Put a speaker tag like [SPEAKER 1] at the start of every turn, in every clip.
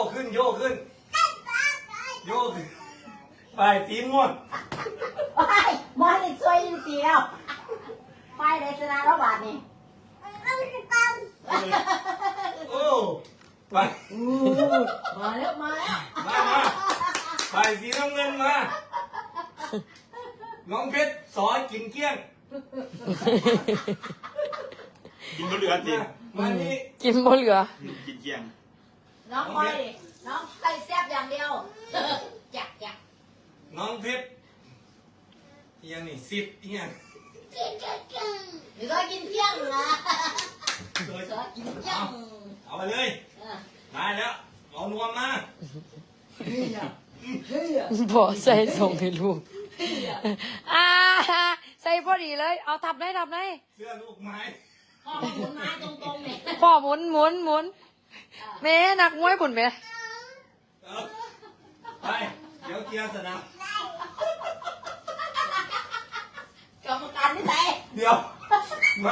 [SPEAKER 1] ขึ้นโยกขึ้นโยกขึ้นไปสีม่วง
[SPEAKER 2] ไปมอนี่ช่วยตีแล้วไปเลยชนะแล้วบาทนี่
[SPEAKER 1] โอ้ไป
[SPEAKER 2] มาแล้ว
[SPEAKER 1] มาไปสีน้ำเงินมาน้องเพชรสอนกินเกี้ยง
[SPEAKER 3] กินบะเหลือจริง
[SPEAKER 1] มานี่
[SPEAKER 4] กินบ่เหลือ
[SPEAKER 3] กินเกียง
[SPEAKER 2] น้องคอยน้องใส่แซ่บอย่างเดียวจัก
[SPEAKER 1] น้องเพชรยังนี่10ยัง
[SPEAKER 2] หรือว่ากินเที่ยงนะกินเที่ยง
[SPEAKER 1] เอาไปเลยได้แล้วเอานวมมา
[SPEAKER 4] บ่ใส่ส่งให้ลูกใส่พอดีเลยเอาทับได้
[SPEAKER 1] เสื้อลูกไม้
[SPEAKER 2] พ่อหมุนไม้ตรงๆเนี่ย
[SPEAKER 4] พ่อหมุนแม่นักมวยปุ่นแม่
[SPEAKER 1] ไปเดี๋ยวเกียร์สนาม
[SPEAKER 2] กรรมการที่ไหน
[SPEAKER 1] เดี๋ยวมา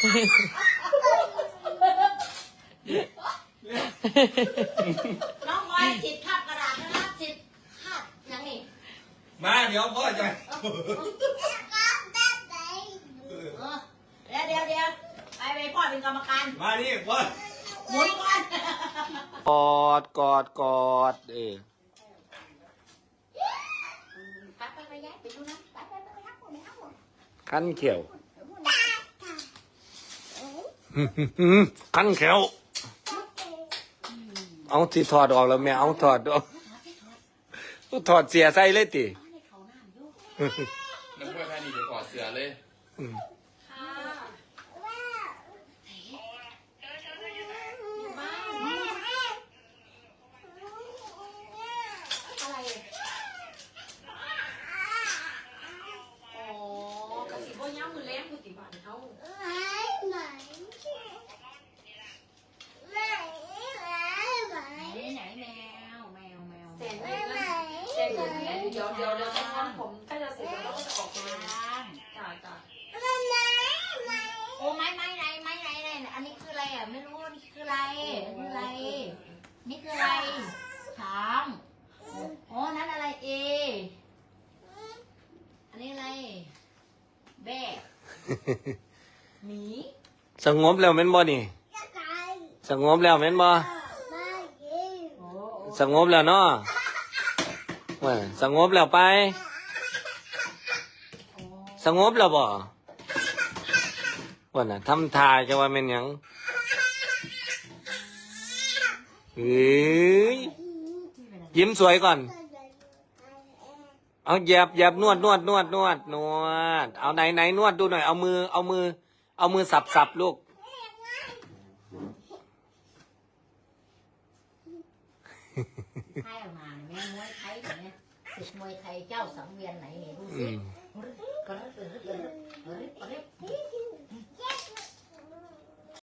[SPEAKER 2] น้องคอยฉีดคาบกระดาษนะฉีดคาบยังนี่
[SPEAKER 1] มาเดี๋ยวพ่อจะ
[SPEAKER 2] เดี๋ยวไปพ่อเป็นกรรมการ
[SPEAKER 1] มานี่พ่อ
[SPEAKER 2] หมุนก่อน
[SPEAKER 4] กอด
[SPEAKER 2] ไปย้ายไปดูนะไปฮักหมด
[SPEAKER 4] คันเขียวคันเขียวเอาที่ถอดออกแล้วแม่เอาถอดออกถอดเสียใส่เลยติ
[SPEAKER 3] นักมวยไทยนี่จะถอดเสื้อเลย
[SPEAKER 4] เดี๋ยวจะทำผมใกล้จะเสร็จแล้วก็จะออกมาจ้า
[SPEAKER 2] โอ้ไม้ไรอันนี้คืออะไรอ่ะไม่รู้นี่คืออะไรนี่คืออะไรถามอ๋อนั้นอะไรเออันนี้อะไรแบกหมี
[SPEAKER 4] สงบแล้วแม่นบ่นี่สงบแล้วแม่นบ่สงบแล้วเนาะว่าสงบแล้วไปสงบแล้วบ่ว่าน่ะทำท่าจะว่าเป็นหยังยิ้มสวยก่อนเอาแยบนวดเอาไหนนวดดูหน่อยเอามือสับลูก
[SPEAKER 2] ไทยออกมาแม่มวยไทยเนี่ยศึกมวยไทยเจ้าสังเวียนไหนเนี่ยดูสิ